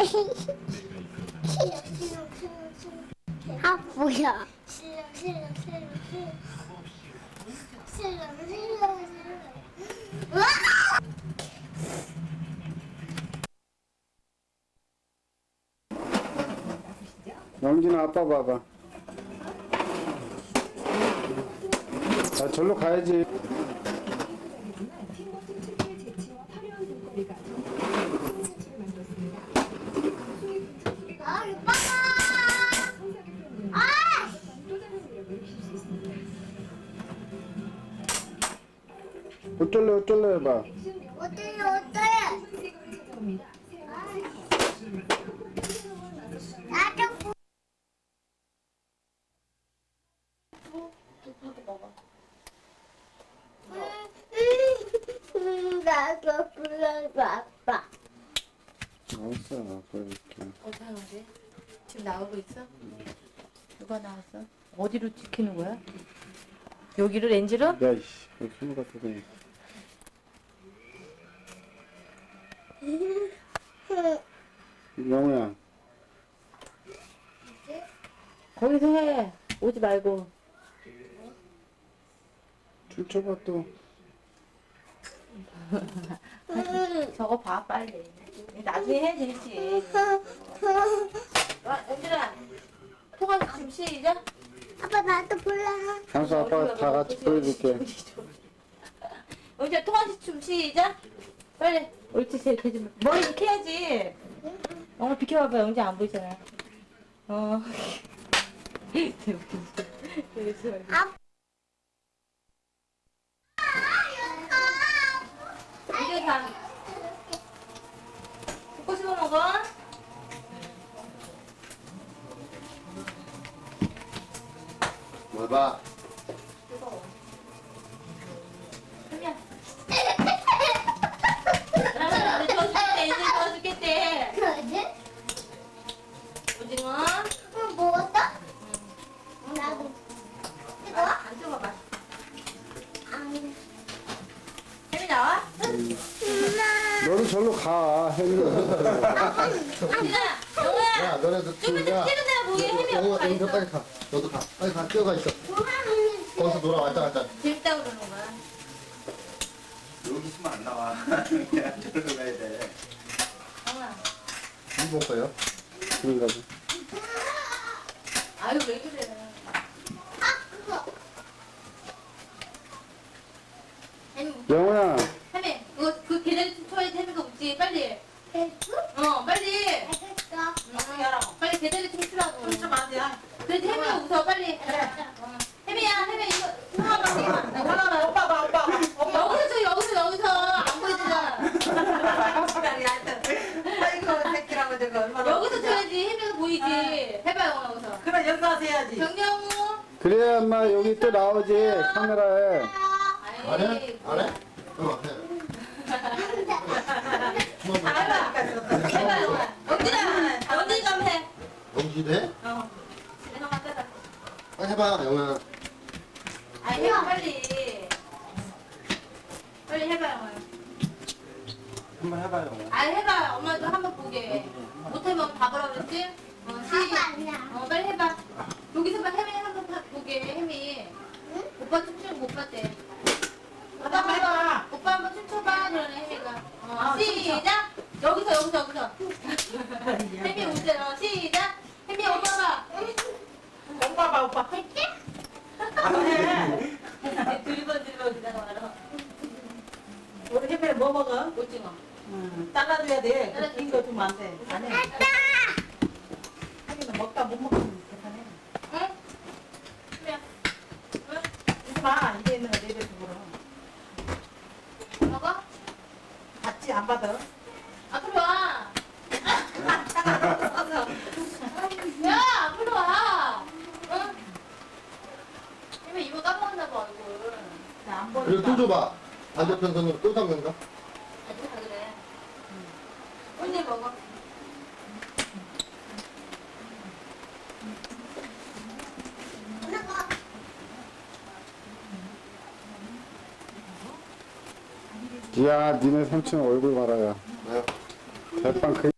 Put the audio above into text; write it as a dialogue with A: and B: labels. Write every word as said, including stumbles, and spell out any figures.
A: 아 뭐야?
B: 실력 실력 실력 실력 실력 실력 와!
C: 영진아 아빠 봐봐. 아 절로 가야지.
B: 아 오빠가 아!
C: 어쩔래 어쩔래 해봐.
B: 어때요 어때요? 나도 음, 나도 불러줘 아빠.
C: 알았어 아빠 이렇게.
D: 어디 하는데? 지금 나오고 있어? 누가 나왔어? 어디로 찍히는 거야? 여기를 렌즈로?
C: 야이씨 손 갖다 대니. 영우야.
D: 거기서 해. 오지 말고.
C: 춤춰봐 또.
D: 저거 봐 빨리. 나중에 해 되지. 아, 연준아. 통화 좀 시작.
B: 아빠 나도 불러.
C: 향수 아빠가 다 같이 보여줄게.
D: 연준아 통화 좀 시작. 빨리. 옳지 제 대지. 머리 이렇게 해야지. 영어 비켜봐봐. 영준 안 보이잖아. 어. 되게 웃기지.
B: 아빠.
D: 이제 다. 먹고 싶어 먹어?
E: 뭘 봐?
D: 그냥. 나는 이제 도와주겠대. 이제 도와주겠대.
B: 그러지?
D: 오징어.
B: 응, 먹었어? 나도. 이거?
D: 안 찍어봐.
B: 안.
D: 햄이 나와?
C: 너도 절로 가. 혜민아.
D: 오징아. 영호야.
E: 야, 너네도
D: 좀 이따 찍은 데가 보이게 햄이
E: 영우야,
D: 없어.
E: 영우 빨리 가. 너도 가. 빨리 가. 뛰어가 있어. 거기서 놀아 왔다 갔다.
D: 재밌다고 그러는 거야.
F: 여기 있으면 안 나와. 그냥 저리로 가야 돼.
D: 영호야.
E: 이거 먹어요?
C: 그런가 봐.
D: 아유 왜 그래. 햄이
C: 영우야.
D: 햄이 그거 그 계단 쳐야 햄이가 웃지 빨리. 어 빨리.
B: 알겠어.
D: 응. 빨리 계단에 춤추라고. 춤좀 하자. 그래도 햄이가 웃어 빨리. 어. 햄이야 햄이 이거 하나만 하나만 오빠 봐 오빠 봐. 여기서 쳐 여기서 여기서 안 보이잖아.
G: 아이고 새끼라고 저거 얼마나
D: 여기서 쳐야지 햄이가 보이지. 해봐요 여기서.
G: 그래 여기서 와서 해야지.
D: 정경우.
C: 그래야 엄마 여기 또 나오지 카메라에.
E: 안 해? 안 해? 어, 해.
D: 해봐요. 영진아 영진이 좀 해.
E: 영지도 해?
D: 어. 집에 한번 빼봐.
E: 빨리 해봐, 영우야.
D: 아 해봐 빨리. 빨리 해봐요.
F: 한번 해봐요.
D: 아 해봐. 엄마도 한번 보게. 못하면 봐보라 그랬지? 어 시. 어 빨리 해봐. 여기서 봐 혜미 한번 봐- 보게 혜미. 오빠 춤추는 거 못 봤대. 오빠 한번 해봐. 오빠 한번 춤춰봐 그러네 혜미가. 어 시작. 여기서 여기서 여기서. 혜미 웃잖아. 시작. 혜미 오빠 봐.
G: 오빠 봐 오빠.
D: 할게?
G: 해.
D: 들번 들번 그냥 말아.
G: 우리 해배 뭐 먹어?
D: 오징어.
G: 응. 잘라줘야 돼.
D: 잘라줘.
G: 긴 거 주면 안 돼. 안 해. 하기는 먹다 못 먹으면 대단해.
D: 응? 혜미야. 응?
G: 이거 봐. 이게 있는 거 내려 주고.
D: 먹어?
G: 받지 안 받아.
D: 앞으로 와. 야, 앞으로 와. 응? 혜미 이거 까먹었나 봐 얼굴.
G: 안
E: 그리고
G: 보니까.
E: 또 줘봐. 반대편 손으로 또 담근가?
D: 아직 다 그래. 언니 먹어.
C: 야 니네 삼촌 얼굴 봐라야.
E: 왜요?
C: 대빵 그